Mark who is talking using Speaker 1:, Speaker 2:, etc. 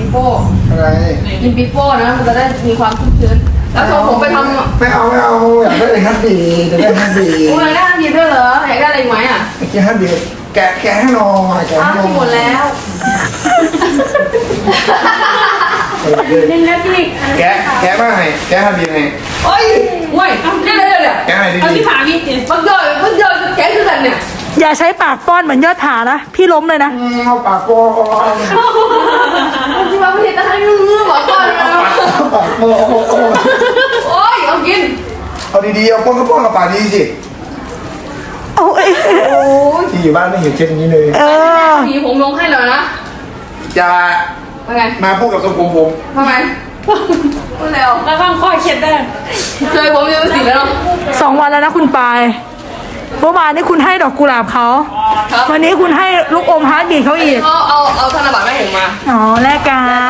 Speaker 1: ปีโป้
Speaker 2: อะไร
Speaker 1: กินปีโป้นะมันจะได้มีความชุ่มชื้นแล้วส่งผมไปทำ
Speaker 2: ไม่เอาอยากได้ฮัตบีอยากได้ฮัตบี
Speaker 1: โอ้ยได้ดีด้วยเหรออยากได้อะไรอีกไหมอ่ะ
Speaker 2: เมื่อกี้ฮัตบีแกะให้หน่อยแกะ
Speaker 1: อ้าว
Speaker 2: ให้หน่อย
Speaker 1: หมดแล้ว
Speaker 3: เล่นแล้วพี่
Speaker 2: แกะมาให้แกะฮัตบีให้
Speaker 1: โอ้ยเว้ยเดี๋ยว
Speaker 2: แกะให้
Speaker 3: เอา
Speaker 2: ดี
Speaker 3: ที่ผาพี่เจ๊
Speaker 1: มันเยอะแกคือกันเนี่ย
Speaker 4: อย่าใช้ปากป้อนเหมือนยอดผานะพี่ล้มเลยนะ
Speaker 2: เอาปากโป้
Speaker 1: ที่ว่าประเทศจะให้งื้อบอกก่อนนะ
Speaker 2: ปากโป้
Speaker 1: โอ้ยเอากิน
Speaker 2: เอาดีๆเอาป้อนก็ป้อนกับปากดีสิ
Speaker 4: โอ้ย
Speaker 1: โอ้ย
Speaker 2: ที่อยู่บ้านไม่เห็นเช่นนี้เลย
Speaker 4: เออ
Speaker 1: สีผมลงให้เลยนะ
Speaker 2: จะ
Speaker 1: ว่าไง
Speaker 2: มาพูดกับทรงผม
Speaker 1: ทำไมพูดแล้ว
Speaker 3: ระวังข้อเข็ดได้
Speaker 1: เคยผมยังสีแล้วเนาะ
Speaker 4: 2 วันแล้วนะคุณปายเมื่อวานนี้คุณให้ดอกกุหลาบเขา
Speaker 1: ครับ
Speaker 4: วันนี้คุณให้ลูกอมฮาร์ดบีทเขาอีก
Speaker 1: เขาเอาธนบัตรแม่เห็นมา
Speaker 4: อ๋อแลกกัน